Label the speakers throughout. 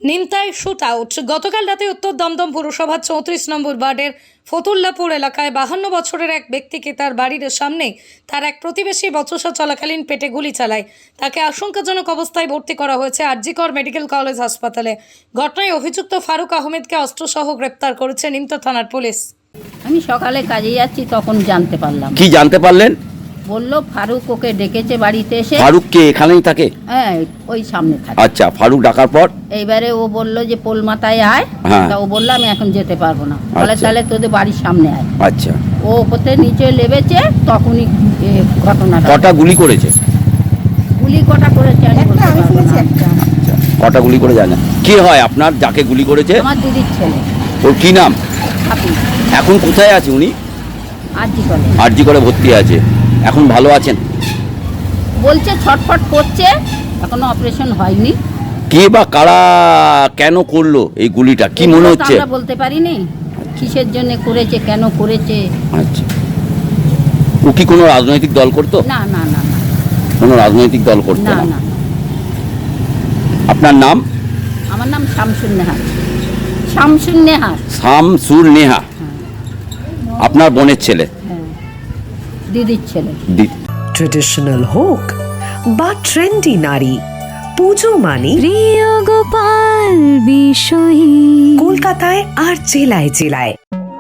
Speaker 1: নিমতায় shoot out. গতকাল রাতে উত্তর দমদম পুরসভার 34 নম্বর ওয়ার্ডের ফতুল্লাপুর এলাকায় 52 বছরের এক ব্যক্তিকে তার বাড়ির সামনে তার এক প্রতিবেশী বচসা চলাকালীন পেটে গুলি চালায়। তাকে আশঙ্কাজনক অবস্থায় ভর্তি করা হয়েছে আরজিকর মেডিকেল কলেজ হাসপাতালে। ঘটনায় অভিযুক্ত ফারুক আহমেদকে অস্ত্রসহ গ্রেপ্তার করেছে নিমতা থানার পুলিশ।
Speaker 2: আমি সকালে কাজে যাচ্ছি, তখন জানতে পারলাম।
Speaker 3: কি জানতে পারলেন?
Speaker 2: বললো ফারুক ওকে ডেকেছে বাড়িতে এসে।
Speaker 3: ফারুক কে এখানেই থাকে?
Speaker 2: হ্যাঁ, ওই সামনে থাকে।
Speaker 3: আচ্ছা, ফারুক ডাকার পর
Speaker 2: এইবারে ও বললো যে পোল মাথায় আয়।
Speaker 3: হ্যাঁ।
Speaker 2: তা ও বললো আমি এখন যেতে পারবো না। বলে
Speaker 3: আচ্ছা।
Speaker 2: তাহলে তোদের বাড়ির সামনে আয়।
Speaker 3: আচ্ছা,
Speaker 2: ও কোথায় নিচে লেবেছে, তখনই ঘটনাটা।
Speaker 3: কটা গুলি করেছে?
Speaker 2: গুলি কটা করেছে আমি বলতে পারবো না।
Speaker 3: আচ্ছা, কটা গুলি করে জানেন? কে হয় আপনার যাকে গুলি করেছে?
Speaker 2: আমার দিদির ছেলে।
Speaker 3: ওর কি নাম?
Speaker 2: হাফিজ।
Speaker 3: এখন কোথায় আছে উনি?
Speaker 2: আরজি কলে।
Speaker 3: আরজি করে ভর্তি আছে। এখন ভালো আছেন?
Speaker 2: বলছে ছটফট করছে, এখনো অপারেশন হয়নি।
Speaker 3: কে বা কারা কেন করলো এই গুলিটা, কি মনে হচ্ছে?
Speaker 2: আমরা বলতে পারিনি কিসের জন্য করেছে, কেন করেছে।
Speaker 3: আচ্ছা, ও কি কোনো রাজনৈতিক দল করতো?
Speaker 2: না না না না
Speaker 3: কোনো রাজনৈতিক দল করতো
Speaker 2: না
Speaker 3: না?
Speaker 2: না।
Speaker 3: আপনার নাম?
Speaker 2: আমার নাম শামসুন নেহার। শামসুন নেহার।
Speaker 3: শামসুর নেহা। আপনার বোনের ছেলে?
Speaker 2: হ্যাঁ, দিদির ছেলে।
Speaker 4: ট্রেডিশনাল হোক বা ট্রেন্ডি নারী, পুজো মানে
Speaker 5: প্রিয় গোপাল বিষয়ী
Speaker 4: কলকাতায় আর জেলায় জেলায়।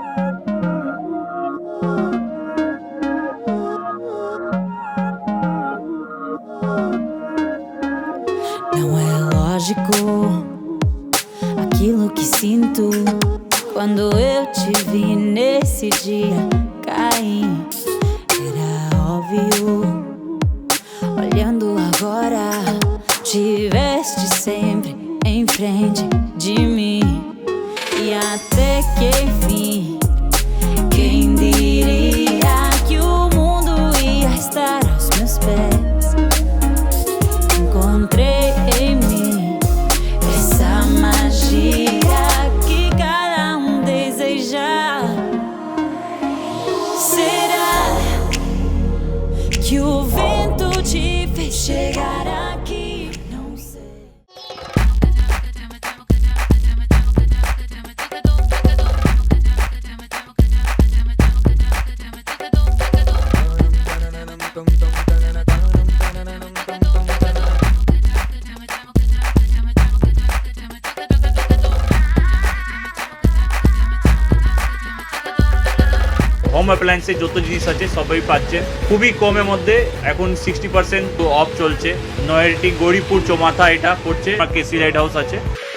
Speaker 5: Não é lógico aquilo que sinto quando eu te vi nesse dia cair. Era óbvio, olhando agora, tiveste sempre em frente de mim. E até que enfim, quem diria que o mundo ia estar aos meus pés? Encontrei em mim essa magia que cada deseja. Será que o vento te fez chegar aqui? Não sei.
Speaker 6: Home অ্যাপ্লায়েন্সে যত জিনিস আছে সবই পাচ্ছেন খুবই কমের মধ্যে। এখন 60% অফ চলছে। নয়ারটি গৌরীপুর চৌমাথা এটা পড়ছে, কেসি লাইট হাউস আছে।